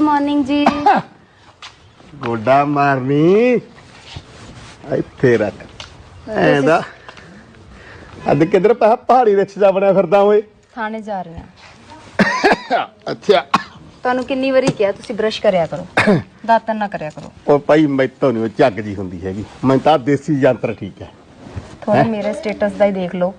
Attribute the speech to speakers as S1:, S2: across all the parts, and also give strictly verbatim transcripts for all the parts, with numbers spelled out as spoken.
S1: Morning जी।
S2: गोडा मारनी ਇੱਥੇ ਰੱਖ ਐਂਦਾ ਅੱਜ ਕਿੱਧਰ ਪਾ ਪਹਾੜੀ ਰਿਕਸ਼ ਜਾ ਬਣਿਆ ਫਿਰਦਾ ਓਏ
S1: थाने जा रहे हैं।
S2: ਅੱਛਾ
S1: ਤੁਹਾਨੂੰ ਕਿੰਨੀ ਵਾਰੀ ਕਿਹਾ ਤੁਸੀਂ ਬ੍ਰਸ਼ ਕਰਿਆ ਕਰੋ, ਦਾਤਨ ਨਾ ਕਰਿਆ ਕਰੋ।
S2: ਉਹ ਭਾਈ ਮੈਥੋਂ ਨਹੀਂ ਉਹ ਝੱਗ ਜੀ ਹੁੰਦੀ ਹੈਗੀ, ਮੈਂ ਤਾਂ ਦੇਸੀ ਯੰਤਰ ਠੀਕ ਹੈ।
S1: ਥੋੜਾ ਮੇਰੇ ਸਟੇਟਸ ਦਾ ਹੀ ਦੇਖ ਲਓ।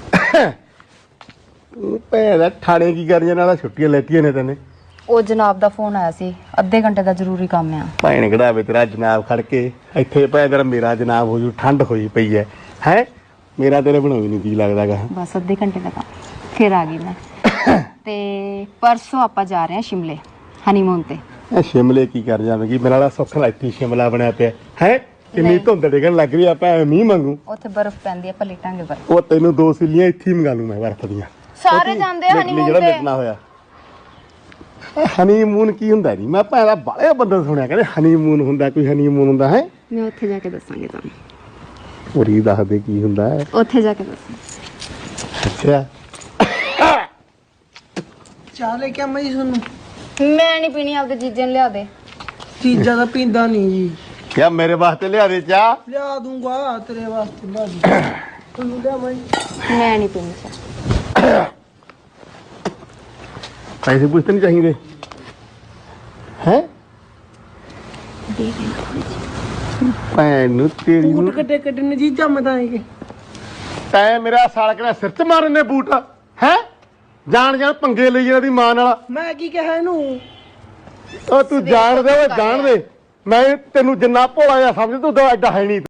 S2: ਭੈਣ ਦਾ ਥਾਣੇ ਕੀ ਕਰੀਆਂ ਨਾਲ ਛੁੱਟੀਆਂ ਲੈਤੀਆਂ ਨੇ ਤੈਨੇ।
S1: ਉਹ ਜਨਾਬ ਦਾ ਫੋਨ ਆਇਆ ਸੀ, ਅੱਧੇ ਘੰਟੇ ਦਾ ਜ਼ਰੂਰੀ ਕੰਮ ਆ।
S2: ਭੈਣ ਕਢਾਵੇ ਤੇਰਾ ਜਨਾਬ ਖੜ ਕੇ ਇੱਥੇ ਭੈਣ ਤੇਰਾ ਮੇਰਾ ਜਨਾਬ ਹੋ ਜੂ, ਠੰਡ ਹੋਈ ਪਈ ਹੈ ਹੈ ਮੇਰਾ ਤੇਰੇ ਬਣਾਉਈ ਨਹੀਂ ਕੀ ਲੱਗਦਾਗਾ।
S1: ਬਸ ਅੱਧੇ ਘੰਟੇ ਦਾ ਕੰਮ, ਫਿਰ ਆ ਗਈ ਮੈਂ। ਤੇ ਪਰਸੋਂ ਆਪਾਂ ਜਾ ਰਹੇ ਹਾਂ ਸ਼ਿਮਲੇ ਹਨੀਮੂਨ ਤੇ।
S2: ਇਹ ਸ਼ਿਮਲੇ ਕੀ ਕਰ ਜਾਵੇਂਗੀ, ਮੇਰਾ ਵਾਲਾ ਸੁੱਖ ਲਾਈਤੀ ਸ਼ਿਮਲਾ ਬਣਿਆ ਪਿਆ ਹੈ। ਕਿੰਨੀ ਧੁੰਦ ਡਿੱਗਣ ਲੱਗ ਰਹੀ ਆ, ਆਪਾਂ ਮੀਂਹ ਮੰਗੂ।
S1: ਉੱਥੇ ਬਰਫ਼ ਪੈਂਦੀ ਆ, ਪਲੇਟਾਂਗੇ ਬਰਫ਼।
S2: ਉਹ ਤੈਨੂੰ ਦੋ ਸਿੱਲੀਆਂ ਇੱਥੇ ਹੀ ਮੰਗਾ ਲੂ ਮੈਂ ਬਰਫ਼ ਦੀਆਂ।
S1: ਸਾਰੇ ਜਾਂਦੇ ਆ ਹਨੀਮੂਨ
S2: ਜਿਹੜਾ
S1: ਤੇ।
S2: ਮਿਟਣਾ ਹੋਇਆ ਹਨੀਮੂਨ ਕੀ ਹੁੰਦਾ ਨਹੀਂ, ਮੈਂ ਭੈਣਾ ਬਾਲੇ ਬੰਦੇ ਸੁਣਿਆ ਕਹਿੰਦੇ ਹਨੀਮੂਨ ਹੁੰਦਾ, ਕੋਈ ਹਨੀਮੂਨ ਹੁੰਦਾ ਹੈ।
S1: ਮੈਂ ਉੱਥੇ ਜਾ ਕੇ ਦੱਸਾਂਗੀ ਤੁਹਾਨੂੰ।
S2: ਪੂਰੀ ਦੱਸ ਦੇ ਕੀ ਹੁੰਦਾ ਹੈ
S1: ਉੱਥੇ ਜਾ ਕੇ ਦੱਸਾਂ।
S2: ਅੱਛਾ
S3: ਚਾਹ ਲੈ ਕੇ ਆਵਾਂ ਜੀ ਤੁਹਾਨੂੰ?
S1: ਮੈਂ ਨਹੀਂ ਪੀਣੀ, ਆਪਦੇ ਜੀਜੇ ਨੂੰ ਲਿਆ ਦੇ।
S3: ਚੀਜ਼ਾਂ ਦਾ ਪੀਂਦਾ ਨਹੀਂ ਜੀ।
S2: ਕਿਆ ਮੇਰੇ ਵਾਸਤੇ ਲਿਆ ਦੇ ਚਾਹ?
S3: ਲਿਆ ਦੂੰਗਾ ਤੇਰੇ ਵਾਸਤੇ ਬਾਜੀ। ਤੁਹਾਨੂੰ ਲਿਆਵਾਂ ਜੀ?
S1: ਮੈਂ ਨਹੀਂ ਪੀਣੀ ਚਾਹ।
S2: ਪੈਸੇ ਪੁੱਛਤੇ ਨਹੀਂ ਚਾਹੀਦੇ ਹੈ ਭੈਣ ਨੂੰ ਤੇਰੀ
S3: ਬੂਟ
S2: ਨੂੰ
S3: ਕੱਟੇ ਕੱਟੇ ਨੇ ਜੀ ਜੰਮਦਾ ਹੈ।
S2: ਤੈਂ ਮੇਰਾ ਸਾਲ ਕਿਹੜਾ ਸਿਰ ਚ ਮਾਰਨ ਨੇ ਬੂਟ ਹੈ। ਜਾਣ ਜਾਣ ਪੰਗੇ ਲਈ ਇਹਨਾਂ ਦੀ ਮਾਂ ਨਾਲ।
S3: ਮੈਂ ਕੀ ਕਿਹਾ ਇਹਨੂੰ?
S2: ਉਹ ਤੂੰ ਜਾਣ ਦੇ ਓਏ ਜਾਣ ਦੇ, ਮੈਂ ਤੈਨੂੰ ਜਿੰਨਾ ਭੋਲਾ ਜਿਹਾ ਸਮਝ ਤੂੰ ਤਾਂ ਐਡਾ ਹੈ ਨਹੀਂ।